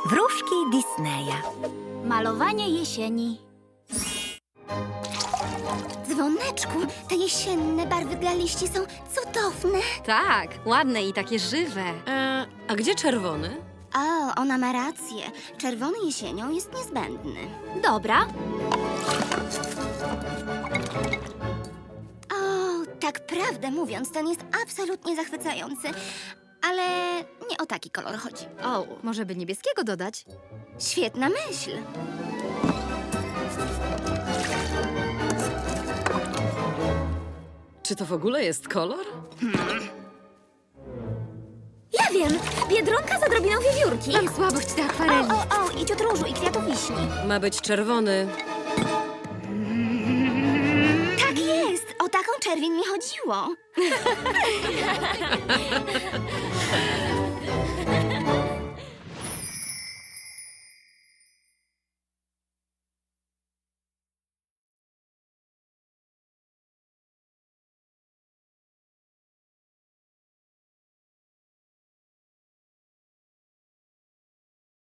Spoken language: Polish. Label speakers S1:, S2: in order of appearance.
S1: Wróżki Disneya.
S2: Malowanie jesieni.
S3: Dzwoneczku, te jesienne barwy dla liści są cudowne.
S4: Tak, ładne i takie żywe.
S5: A gdzie czerwony?
S3: O, ona ma rację. Czerwony jesienią jest niezbędny.
S2: Dobra.
S3: O, tak prawdę mówiąc, ten jest absolutnie zachwycający. Ale nie o taki kolor chodzi.
S4: O, może by niebieskiego dodać?
S3: Świetna myśl.
S5: Czy to w ogóle jest kolor?
S3: Ja wiem, biedronka z odrobiną wiewiórki.
S4: Mam słabość do akwareli.
S3: O, i ciut różu, i kwiatów wiśni.
S5: Ma być czerwony.
S3: Tak jest, o taką czerwień mi chodziło.